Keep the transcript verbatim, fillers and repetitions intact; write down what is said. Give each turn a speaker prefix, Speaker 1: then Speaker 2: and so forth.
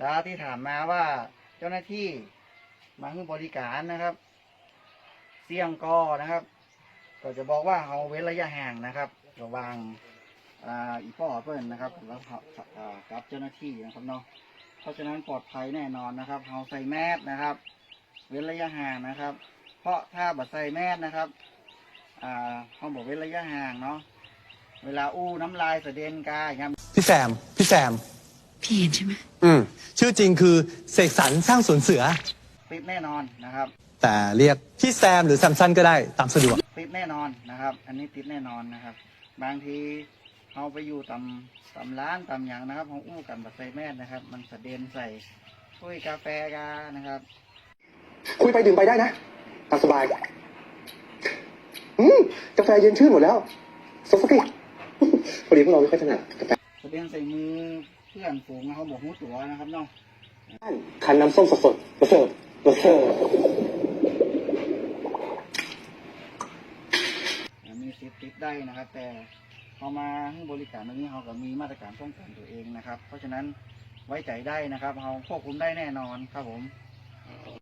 Speaker 1: แล้วที่ถามมาว่าเจ้าหน้าที่มาให้บริการนะครับเสี่ยงกอนะครับก็จะบอกว่าเขาเว้นระยะห่างนะครับระหว่างอ่าอีพ่อเพื่อนนะครับแล้วกับเจ้าหน้าที่นะครับเนาะเพราะฉะนั้นปลอดภัยแน่นอนนะครับเขาใส่แมสนะครับเว้นระยะห่างนะครับ เพราะถ้าบัดใส่แมสนะครับอ่าเขาบอกเว้นระยะห่างเนาะเวลาอู้น้ำลายเสด็นกายครับ
Speaker 2: พี่แซมพี่แซม
Speaker 3: พี่เห็นใช่ไหม
Speaker 2: อืมชื่อจริงคือเสกสรรสร้างสวนเสือ
Speaker 1: ติดแน่นอนนะครับ
Speaker 2: แต่เรียกพี่แซมหรือแซมสันก็ได้ตามสะดวก
Speaker 1: ติดแน่นอนนะครับอันนี้ติดแน่นอนนะครับบางทีเขาไปอยู่ตำตำร้านตำอย่างนะครับเขาอู้กันบัดใส่แมสนะครับมันเสด็นใส่ถ้วยกาแฟกานะครับ
Speaker 4: คุยไปดื่มไปได้นะตามสบายอืมกาแฟเย็นชื่นหมดแล้วสดสักทีพอดีพวกเราไม่ค่อยถนัดกาแฟ
Speaker 1: เสด็นใส่มือเพื่อนฝูงเขาบอกหูตัวนะครับเนาะ
Speaker 4: คันน้ำส้มสดสดมาเสิร์ฟมาเสิร์ฟ
Speaker 1: มีสิทธิ์ติดได้นะครับแต่เขามาให้บริการตรงนี้เขาก็มีมาตรการป้องกันตัวเองนะครับเพราะฉะนั้นไว้ใจได้นะครับเขาควบคุมได้แน่นอนครับผม